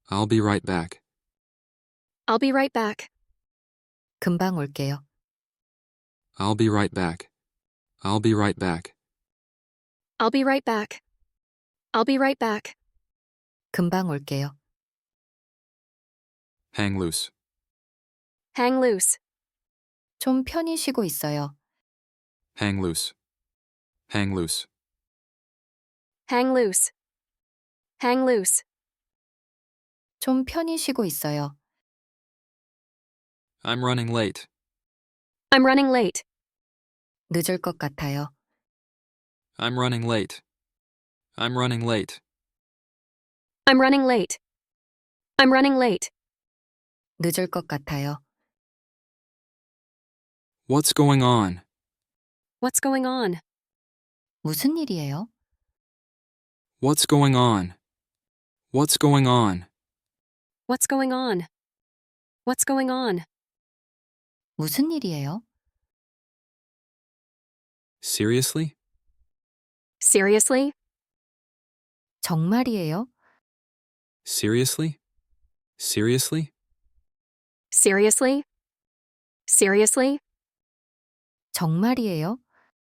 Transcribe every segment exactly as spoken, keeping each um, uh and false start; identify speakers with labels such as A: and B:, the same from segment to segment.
A: I'll be right back.
B: I'll be right back.
C: 금방 올게요.
A: I'll be right back. I'll be right back.
B: I'll be right back. I'll be right back.
C: 금방 올게요.
A: Hang loose.
B: Hang loose.
C: 좀 편히 쉬고 있어요.
A: Hang loose. Hang loose.
B: Hang loose. Hang loose.
C: 좀 편히 쉬고 있어요.
A: I'm running late.
B: I'm running late.
C: 늦을 것 같아요.
A: I'm running late. I'm running late.
B: I'm running late. I'm running late.
C: 늦을 것 같아요.
A: What's going on?
B: What's going on?
C: 무슨 일이에요?
A: What's going on? What's going on?
B: What's going on? What's going on?
C: 무슨 일이에요?
A: Seriously?
B: Seriously?
C: 정말이에요?
A: Seriously? Seriously?
B: Seriously? Seriously?
C: 정말이에요?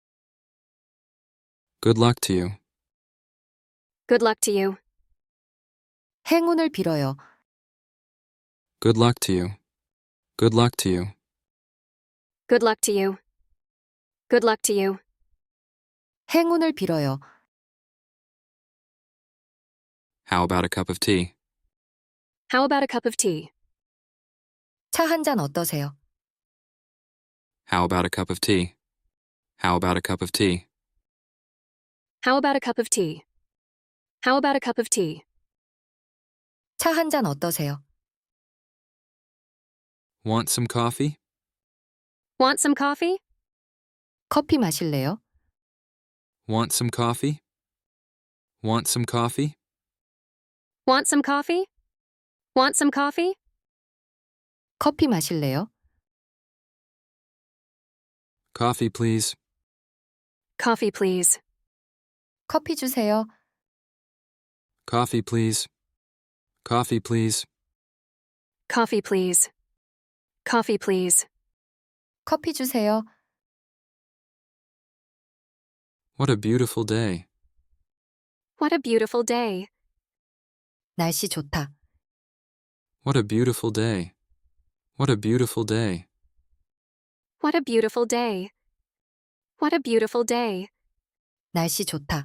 A: Good luck to you.
B: Good luck to you.
C: 행운을 빌어요.
A: Good luck to you. Good luck to you.
B: Good luck to you. Good luck to you.
C: 행운을 빌어요.
A: How about a cup of tea?
B: How about a cup of tea?
C: 차 한 잔 어떠세요?
A: How about a cup of tea? How about a cup of tea?
B: How about a cup of tea? How about a cup of tea?
C: 차 한 잔 어떠세요?
A: Want some coffee?
B: Want some coffee?
C: 커피 마실래요?
A: Want some coffee? Want some coffee?
B: Want some coffee? Want some coffee?
C: 커피 마실래요?
A: Coffee, please.
B: Coffee, please.
C: 커피 주세요.
A: Coffee, please. Coffee, please.
B: Coffee, please. Coffee, please.
C: 커피 주세요.
A: What a beautiful day.
B: What a beautiful day.
C: 날씨 좋다.
A: What a beautiful day. What a beautiful day.
B: What a beautiful day. What a beautiful day.
C: 날씨 좋다.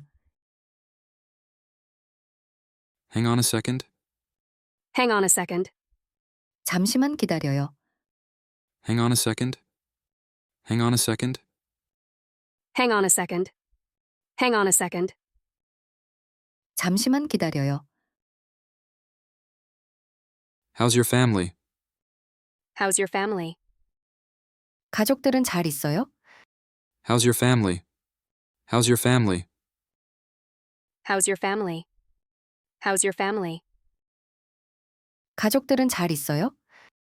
A: Hang on a second.
B: Hang on a second.
C: 잠시만 기다려요.
A: Hang on a second. Hang on a second.
B: Hang on a second. Hang on a second.
C: 잠시만 기다려요.
A: How's your family?
B: How's your family?
C: 가족들은 잘 있어요?
A: How's your family? How's your family?
B: How's your family? How's your family?
C: 가족들은 잘 있어요?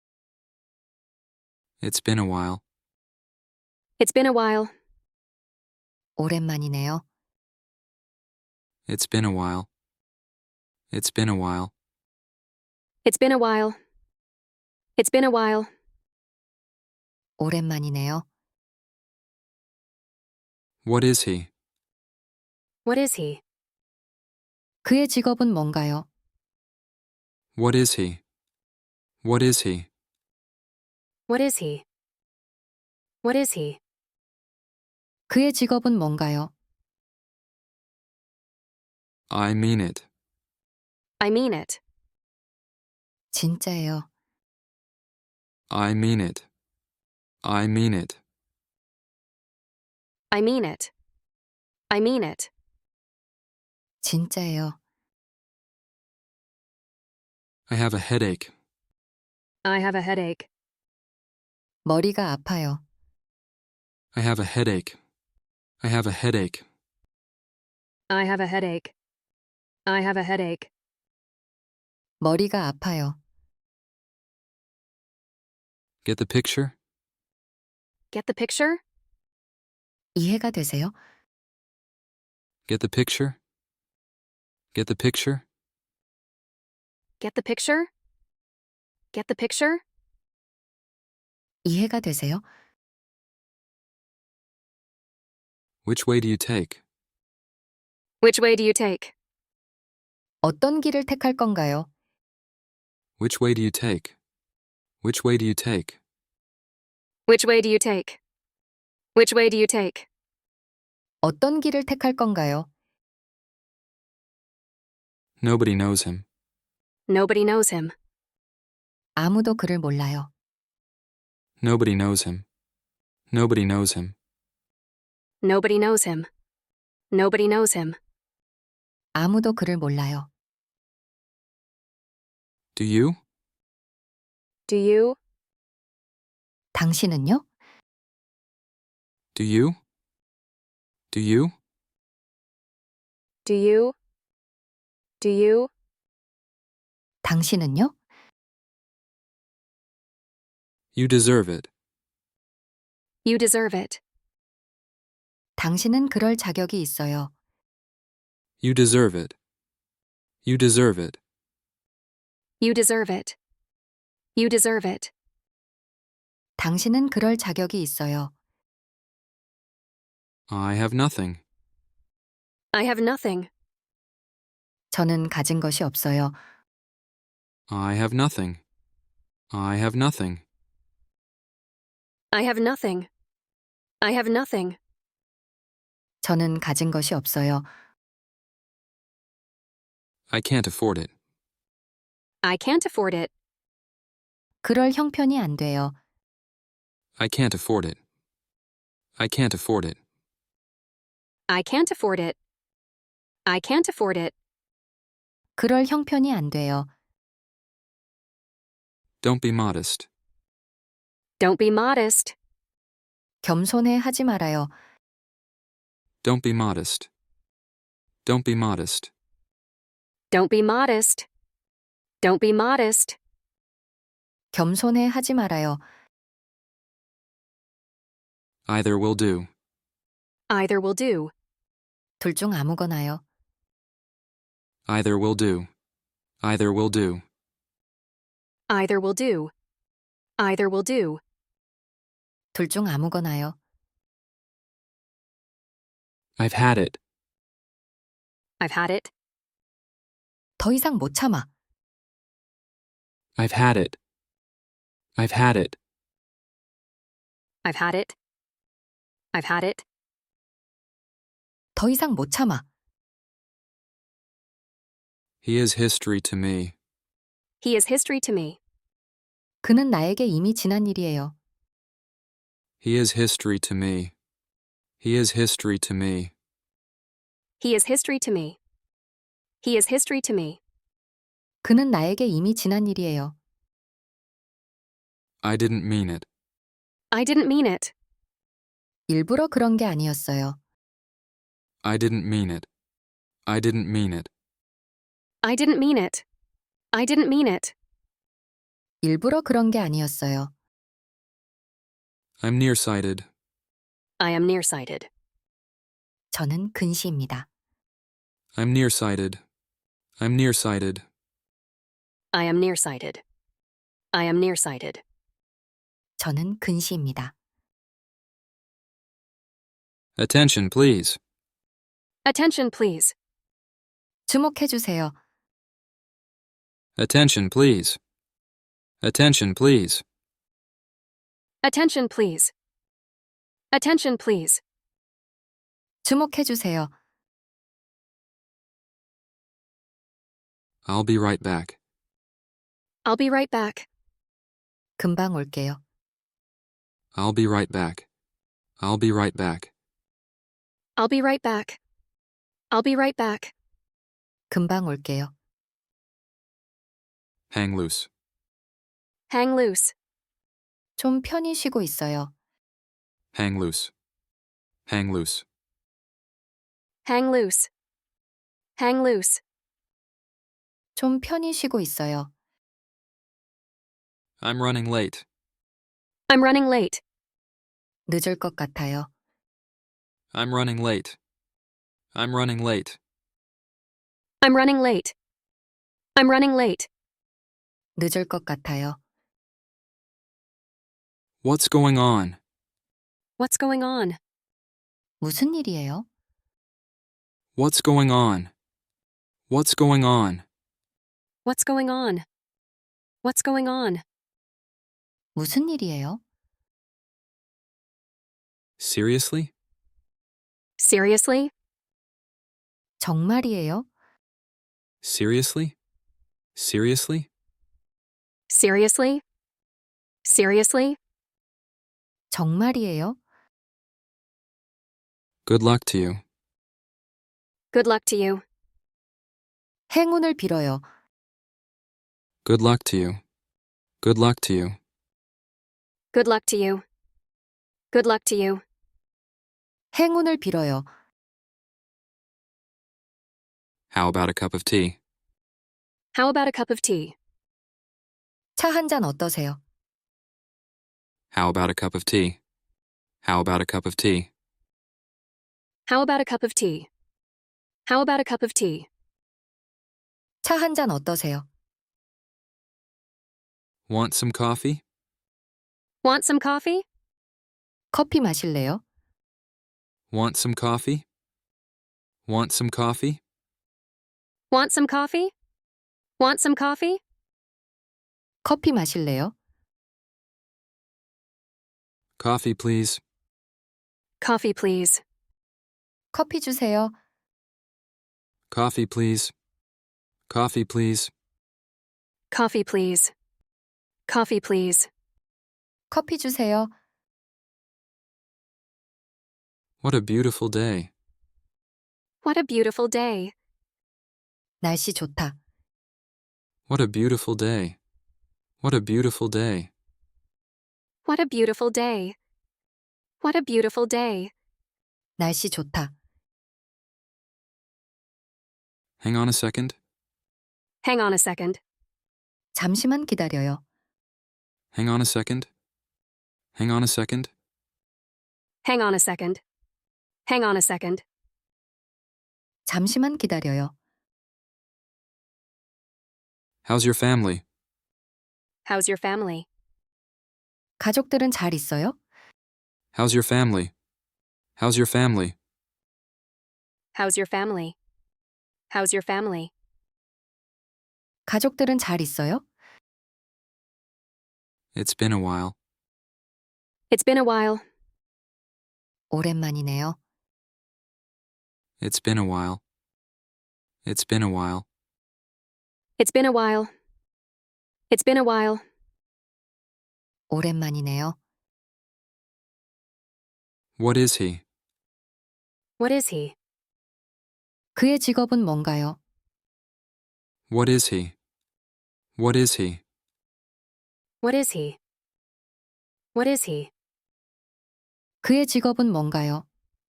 A: It's been a while.
B: It's been a while.
C: 오랜만이네요.
A: It's been a while. It's been a while.
B: It's been a while. It's been a while.
C: 오랜만이네요.
A: What is he?
B: What is he?
C: 그의 직업은 뭔가요?
A: What is he? What is he?
B: What is he? What is he?
C: 그의 직업은 뭔가요?
A: I mean it.
B: I mean it.
C: 진짜예요.
A: I mean it. I mean it.
B: I mean it. I mean it.
C: 진짜예요.
A: I have a headache.
B: I have a headache.
C: 머리가 아파요.
A: I have a headache. I have a headache.
B: I have a headache. I have a headache.
C: 머리가 아파요.
A: Get the picture?
B: Get the picture?
C: 이해가 되세요?
A: Get the picture? Get the picture?
B: Get the picture? Get the picture?
C: 이해가 되세요?
A: Which way do you take?
B: Which way do you take?
C: 어떤 길을 택할 건가요?
A: Which way do you take? Which way do you take?
B: Which way do you take? Which way do you take?
C: 어떤 길을 택할 건가요?
A: Nobody knows him.
B: Nobody knows him.
C: 아무도 그를 몰라요.
A: Nobody knows him. Nobody knows him.
B: Nobody knows him. Nobody knows him.
C: 아무도 그를 몰라요.
A: Do you?
B: Do you?
C: 당신은요?
A: Do you? Do you?
B: Do you? Do you?
C: 당신은요?
A: You deserve it.
B: You deserve it.
C: 당신은 그럴 자격이 있어요.
A: You deserve it. You deserve it.
B: You deserve it. You deserve it.
C: 당신은 그럴 자격이 있어요.
A: I have nothing.
B: I have nothing.
C: 저는 가진 것이 없어요.
A: I have nothing. I have nothing.
B: I have nothing. I have nothing.
C: 저는 가진 것이 없어요.
A: I can't afford it.
B: I can't afford it.
C: 그럴 형편이 안 돼요.
A: I can't afford it. I can't afford it.
B: I can't afford it. I can't afford it.
C: 그럴 형편이 안 돼요.
A: Don't be modest.
B: Don't be modest.
C: 겸손해 하지 말아요.
A: Don't be modest. Don't be modest.
B: Don't be modest. Don't be modest.
C: 겸손해 하지 말아요.
A: Either will do.
B: Either will do.
C: 둘 중 아무거나요.
A: Either will do. Either will do.
B: Either will do. Either will do.
C: 둘 중 아무거나요.
A: I've had it.
B: I've had it.
C: 더 이상 못 참아.
A: I've had it. I've had it.
B: I've had it. I've had it.
C: 더 이상 못 참아.
A: He is history to me.
B: He is history to me.
C: 그는 나에게 이미 지난 일이에요.
A: He is history to me. He is history to me.
B: He is history to me. He is history to me.
C: 그는 나에게 이미 지난 일이에요.
A: I didn't mean it.
B: I didn't mean it.
C: 일부러 그런 게 아니었어요.
A: I didn't mean it. I didn't mean it.
B: I didn't mean it. I didn't mean it.
C: 일부러 그런 게 아니었어요.
A: I'm nearsighted.
B: I am nearsighted.
C: 저는 근시입니다.
A: I'm nearsighted. I'm nearsighted.
B: I am nearsighted. I am nearsighted.
C: 저는 근시입니다.
A: Attention, please.
B: Attention, please.
C: 주목해 주세요.
A: Attention, please. Attention, please.
B: Attention, please. Attention, please.
C: 주목해 주세요.
A: I'll be right back.
B: I'll be right back.
C: 금방 올게요.
A: I'll be right back. I'll be right back.
B: I'll be right back. I'll be right back.
C: 금방 올게요.
A: Hang loose.
B: Hang loose.
C: 좀 편히 쉬고 있어요.
A: Hang loose. Hang loose.
B: Hang loose. Hang loose.
C: 좀 편히 쉬고 있어요.
A: I'm running late.
B: I'm running late.
C: 늦을 것 같아요.
A: I'm running late. I'm running late.
B: I'm running late. I'm running late.
C: 늦을 것 같아요.
A: What's going on?
B: What's going on?
C: 무슨 일이에요?
A: What's going on? What's going on?
B: What's going on? What's going on?
C: 무슨 일이에요?
A: Seriously?
B: Seriously?
C: 정말이에요?
A: Seriously? Seriously?
B: Seriously? Seriously?
C: 정말이에요?
A: Good luck to you.
B: Good luck to you.
C: 행운을 빌어요.
A: Good luck to you. Good luck to you.
B: Good luck to you. Good luck to you.
C: 행운을 빌어요.
A: How about a cup of tea?
B: How about a cup of tea?
C: 차 한 잔 어떠세요?
A: How about a cup of tea? How about a cup of tea?
B: How about a cup of tea? How about a cup of tea?
C: 차 한 잔 어떠세요?
A: Want some coffee?
B: Want some coffee?
C: 커피 마실래요?
A: Want some coffee? Want some coffee?
B: Want some coffee? Want some coffee?
C: 커피 마실래요?
A: Coffee, please.
B: Coffee, please.
C: 커피 주세요.
A: Coffee, please. Coffee, please.
B: Coffee, please. Coffee, please.
C: 커피 주세요.
A: What a beautiful day.
B: What a beautiful day.
C: 날씨 좋다.
A: What a beautiful day. What a beautiful day.
B: What a beautiful day. What a beautiful day.
C: 날씨 좋다.
A: Hang on a second.
B: Hang on a second.
C: 잠시만 기다려요.
A: Hang on a second. Hang on a second.
B: Hang on a second. Hang on a second.
C: 잠시만 기다려요.
A: How's your family?
B: How's your family?
C: 가족들은 잘 있어요?
A: How's your family? How's your family?
B: How's your family? How's your family?
C: 가족들은 잘 있어요?
A: It's been a while.
B: It's been a while.
C: 오랜만이네요.
A: It's been a while. It's been a while.
B: It's been a while. It's been a while.
C: 오랜만이네요.
A: What is he?
B: What is he?
C: 그의 직업은 뭔가요?
A: What is he? What is he?
B: What is he? What is he?
C: 그의 직업은 뭔가요?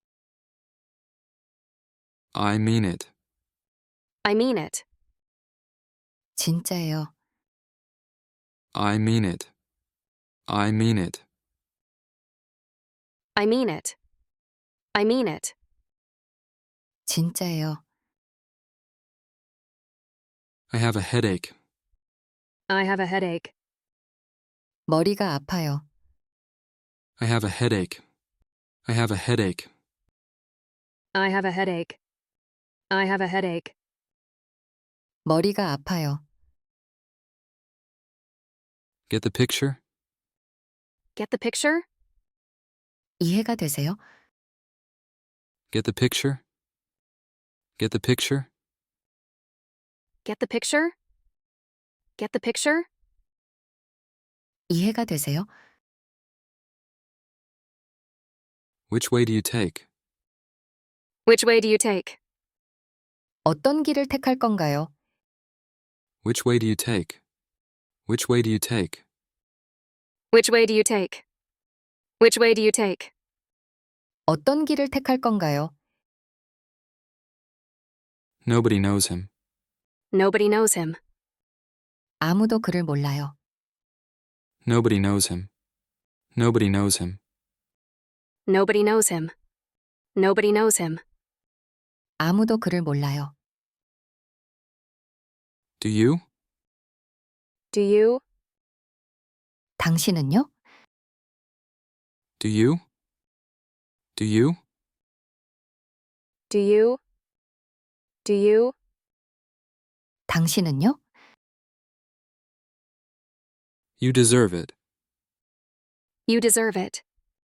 A: I mean it.
B: I mean it.
C: 진짜예요.
A: I mean it. I mean it.
B: I mean it. I mean it.
C: 진짜예요.
A: I have a headache.
B: I have a headache.
C: 머리가 아파요.
A: I have a headache. I have a headache.
B: I have a headache. I have a headache.
C: 머리가 아파요.
A: Get the picture?
B: Get the picture?
C: 이해가 되세요?
A: Get the picture? Get the picture?
B: Get the picture? Get the picture?
C: 이해가 되세요?
A: Which way do you take?
B: Which way do you take?
C: 어떤 길을 택할 건가요?
A: Which way do you take? Which way do you take?
B: Which way do you take? Which way do you take?
C: 어떤 길을 택할 건가요?
A: Nobody knows him.
B: Nobody knows him.
C: 아무도 그를 몰라요.
A: Nobody knows him. Nobody knows him.
B: Nobody knows him. Nobody knows him.
C: 아무도 그를 몰라요.
A: Do you?
B: Do you?
C: 당신은요?
A: Do you? Do you?
B: Do you? Do you?
C: 당신은요?
A: You deserve it.
B: You deserve it.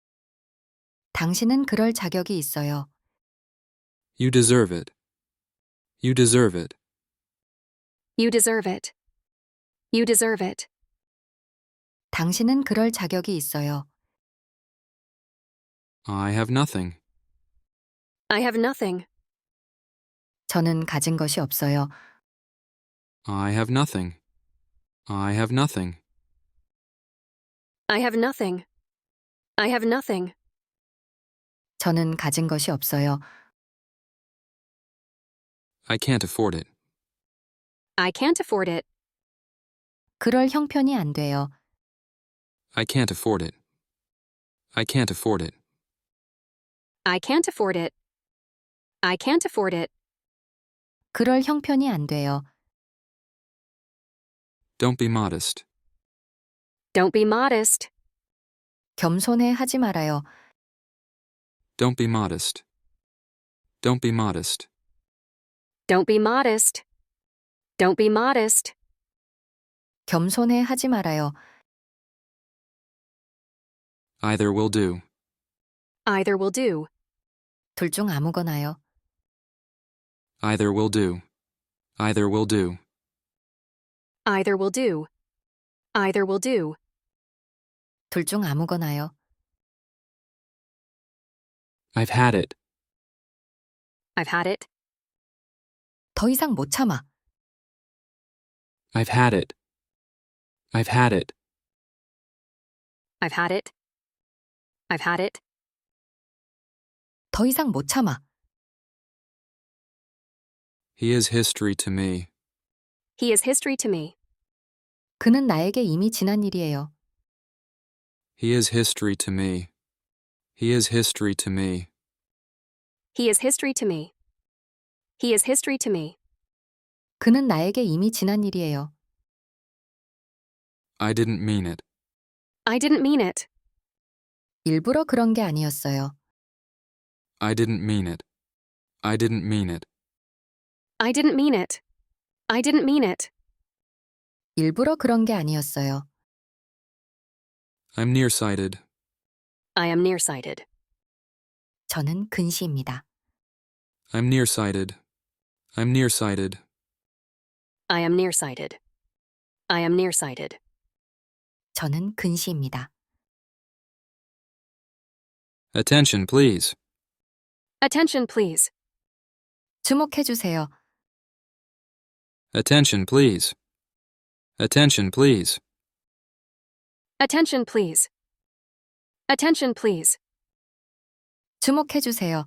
C: 당신은 그럴 자격이 있어요.
A: You deserve it. You deserve it.
B: You deserve it. You deserve it.
C: 당신은 그럴 자격이 있어요.
A: I have nothing.
B: I have nothing.
C: 저는 가진 것이 없어요.
A: I have nothing. I have nothing.
B: I have nothing. I have nothing.
C: 저는 가진 것이 없어요.
A: I can't afford it.
B: I can't afford it.
C: 그럴 형편이 안 돼요.
A: I can't afford it. I can't afford it.
B: I can't afford it. I can't afford it.
C: 그럴 형편이 안 돼요.
A: Don't be modest.
B: Don't be modest.
C: 겸손해 하지 말아요.
A: Don't be modest. Don't be modest.
B: Don't be modest. Don't be modest.
C: 겸손해 하지 말아요.
A: Either will do.
B: Either will do.
C: 둘 중 아무거나요.
A: Either will do. Either will do.
B: Either will do. Either will do.
C: 둘 중 아무거나요.
A: I've had it.
B: I've had it.
C: 더 이상 못 참아.
A: I've had it. I've had it.
B: I've had it. I've had it.
C: 더 이상 못 참아.
A: He is history to me.
B: He is history to me.
C: 그는 나에게 이미 지난 일이에요.
A: He is history to me. He is history to me.
B: He is history to me. He is history to me.
C: 그는 나에게 이미 지난 일이에요.
A: I didn't mean it.
B: I didn't mean it.
C: 일부러 그런 게 아니었어요.
A: I didn't mean it. I didn't mean it.
B: I didn't mean it. I didn't mean it.
C: 일부러 그런 게 아니었어요.
A: I'm nearsighted.
B: I am nearsighted.
C: 저는 근시입니다.
A: I'm nearsighted. I'm nearsighted.
B: I am nearsighted. I am nearsighted.
C: 저는 근시입니다.
A: Attention, please.
B: Attention, please.
C: 주목해 주세요.
A: Attention, please. Attention, please.
B: Attention, please. Attention, please.
C: 주목해 주세요.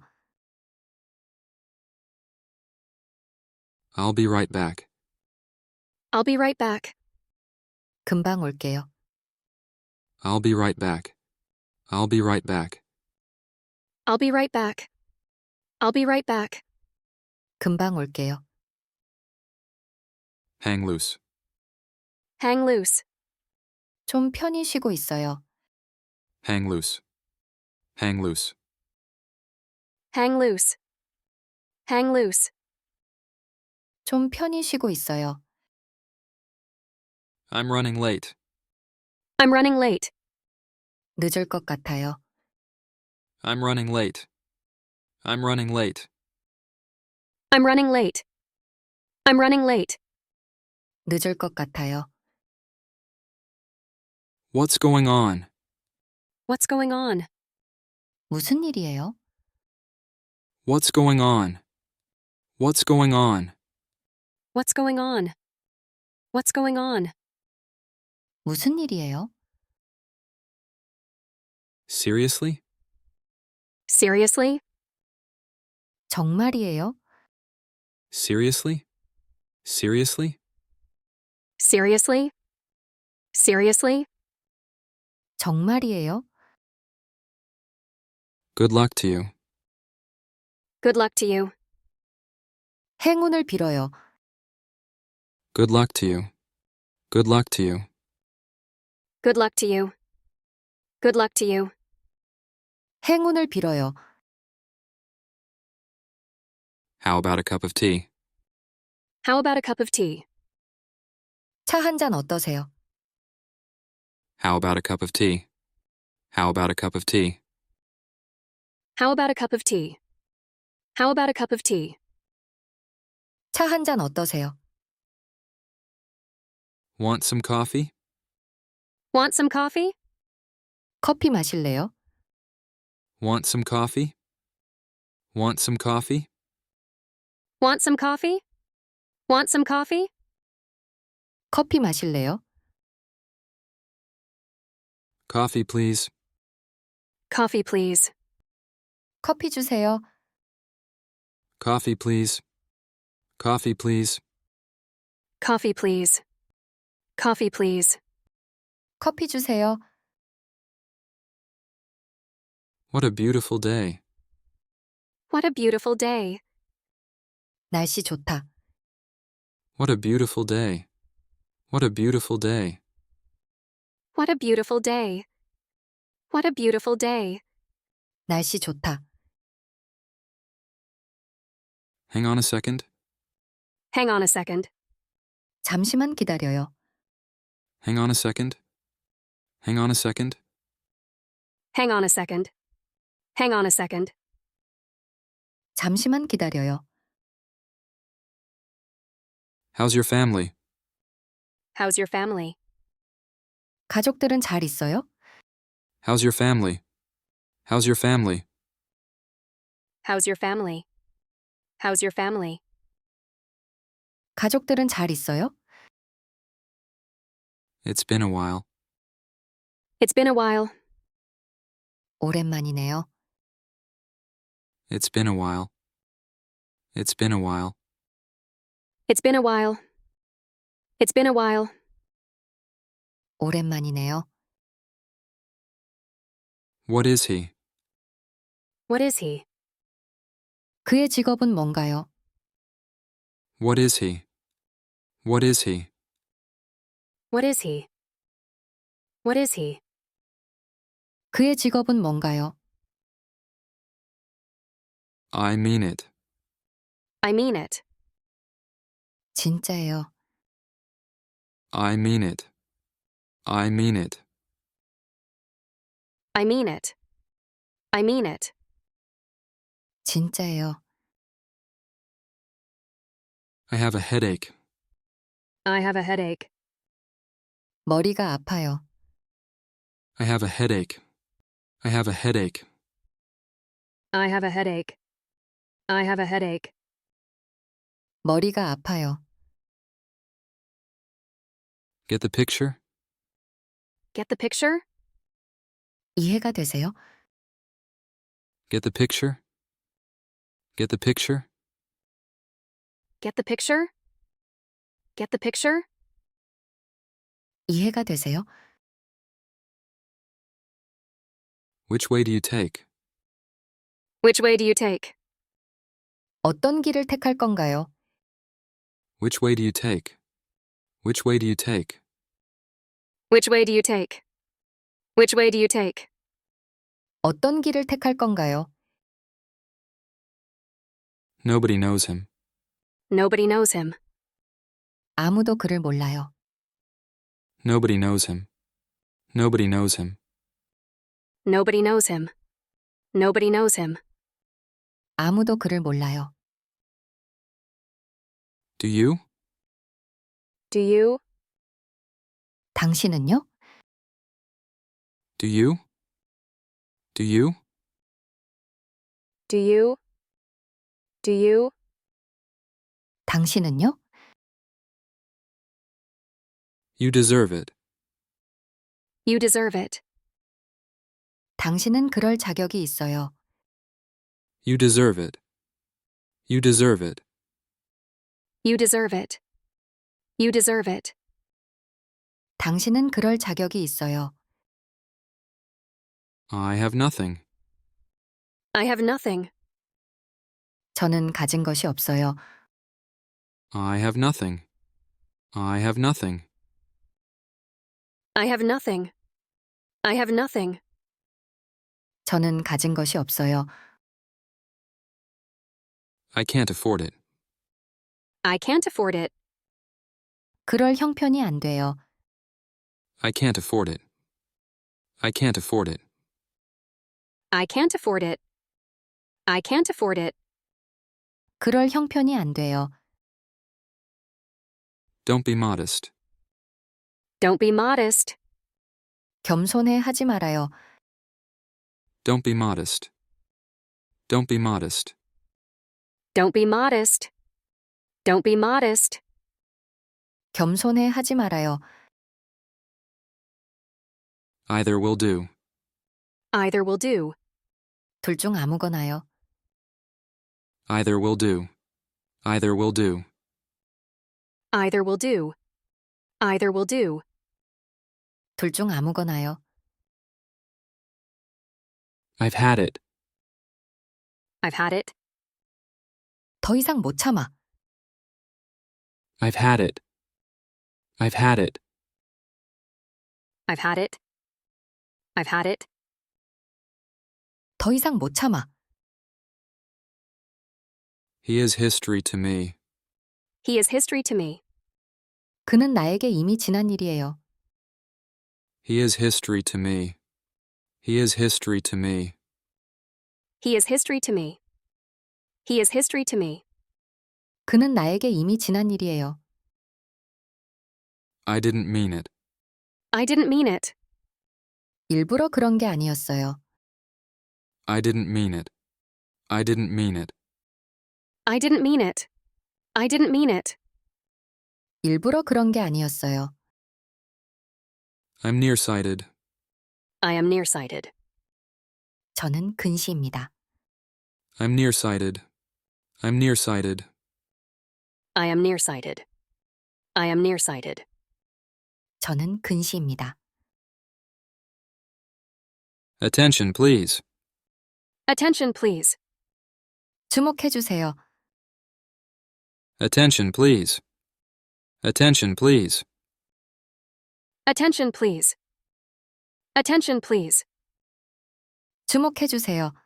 A: I'll be right back.
B: I'll be right back.
C: 금방 올게요.
A: I'll be right back. I'll be right back.
B: I'll be right back. I'll be right back.
C: 금방 올게요.
A: Hang loose.
B: Hang loose.
C: 좀 편히 쉬고 있어요.
A: Hang loose. Hang loose.
B: Hang loose. Hang loose.
C: 좀 편히 쉬고 있어요.
A: I'm running late.
B: I'm running late.
C: 늦을 것 같아요.
A: I'm running late. I'm running late.
B: I'm running late. I'm running late.
C: 늦을 것 같아요.
A: What's going on?
B: What's going on?
C: 무슨 일이에요?
A: What's going on? What's going on?
B: What's going on? What's going on?
C: 무슨 일이에요?
A: Seriously?
B: Seriously?
C: 정말이에요?
A: Seriously? Seriously?
B: Seriously? Seriously?
C: 정말이에요?
A: Good luck to you.
B: Good luck to you.
C: 행운을 빌어요.
A: Good luck to you. Good luck to you.
B: Good luck to you. Good luck to you.
C: 행운을 빌어요.
A: How about a cup of tea?
B: How about a cup of tea?
C: 차 한 잔 어떠세요?
A: How about a cup of tea? How about a cup of tea?
B: How about a cup of tea? How about a cup of tea?
C: 차 한 잔 어떠세요?
A: Want some coffee?
B: Want some coffee?
C: 커피 마실래요?
A: Want some coffee? Want some coffee?
B: Want some coffee? Want some coffee?
C: 커피 마실래요?
A: Coffee, please.
B: Coffee, please.
C: 커피 주세요.
A: Coffee, please. Coffee, please.
B: Coffee, please. Coffee, please.
C: 커피 주세요.
A: What a beautiful day.
B: What a beautiful day.
C: 날씨 좋다.
A: What a beautiful day. What a beautiful day.
B: What a beautiful day. What a beautiful day.
C: 날씨 좋다.
A: Hang on a second.
B: Hang on a second.
C: 잠시만 기다려요.
A: Hang on a second. Hang on a second.
B: Hang on a second. Hang on a second.
C: 잠시만 기다려요.
A: How's your family?
B: How's your family?
C: 가족들은 잘 있어요?
A: How's your family? How's your family?
B: How's your family? How's your family?
C: 가족들은 잘 있어요?
A: It's been a while.
B: It's been a while.
C: 오랜만이네요.
A: It's been a while. It's been a while.
B: It's been a while. It's been a while.
C: 오랜만이네요.
A: What is he?
B: What is he?
C: 그의 직업은 뭔가요?
A: What is he? What is he?
B: What is he? What is he?
C: 그의 직업은 뭔가요?
A: I mean it.
B: I mean it.
C: 진짜예요.
A: I mean it. I mean it.
B: I mean it. I mean it.
C: 진짜예요.
A: I have a headache.
B: I have a headache.
C: 머리가 아파요.
A: I have a headache. I have a headache.
B: I have a headache. I have a headache.
C: 머리가 아파요.
A: Get the picture?
B: Get the picture?
C: 이해가 되세요?
A: Get the picture? Get the picture?
B: Get the picture? Get the picture?
C: 이해가 되세요?
A: Which way do you take?
B: Which way do you take?
C: 어떤 길을 택할 건가요?
A: Which way do you take? Which way do you take?
B: Which way do you take? Which way do you take?
C: 어떤 길을 택할 건가요?
A: Nobody knows him.
B: Nobody knows him.
C: 아무도 그를 몰라요.
A: Nobody knows him. Nobody knows him.
B: Nobody knows him. Nobody knows him.
C: 아무도 그를 몰라요.
A: Do you?
B: Do you?
C: 당신은요?
A: Do you? Do you?
B: Do you? Do you?
C: 당신은요?
A: You deserve it.
B: You deserve it.
C: 당신은 그럴 자격이 있어요.
A: You deserve it. You deserve it.
B: You deserve it. You deserve it.
C: 당신은 그럴 자격이 있어요.
A: I have nothing.
B: I have nothing.
C: 저는 가진 것이 없어요.
A: I have nothing. I have nothing.
B: I have nothing. I have nothing.
C: 저는 가진 것이 없어요.
A: I can't afford it.
B: I can't afford it.
C: 그럴 형편이 안 돼요.
A: I can't afford it. I can't afford it.
B: I can't afford it. I can't afford it.
C: 그럴 형편이 안 돼요.
A: Don't be modest.
B: Don't be modest.
C: 겸손해 하지 말아요.
A: Don't be modest. Don't be modest.
B: Don't be modest. Don't be modest.
C: 겸손해 하지 말아요.
A: Either will do.
B: Either will do.
C: 둘 중 아무거나요.
A: Either will do. Either will do.
B: Either will do. Either will do.
C: 둘 중 아무거나요.
A: I've had it.
B: I've had it.
C: 더 이상 못 참아.
A: I've had it. I've had it.
B: I've had it. I've had it.
C: 더 이상 못 참아.
A: He is history to me.
B: He is history to me.
C: 그는 나에게 이미 지난 일이에요.
A: He is history to me. He is history to me.
B: He is history to me. He is history to me.
C: 그는 나에게 이미 지난 일이에요.
A: I didn't mean it.
B: I didn't mean it.
C: 일부러 그런 게 아니었어요.
A: I didn't mean it. I didn't mean it.
B: I didn't mean it. I didn't mean it.
C: 일부러 그런 게 아니었어요.
A: I'm nearsighted.
B: I am nearsighted.
C: 저는 근시입니다.
A: I'm nearsighted. I'm nearsighted.
B: I am nearsighted. I am nearsighted.
C: 저는 근시입니다.
A: Attention, please.
B: Attention, please.
C: 주목해 주세요.
A: Attention, please. Attention, please.
B: Attention, please. Attention, please.
C: 주목해 주세요.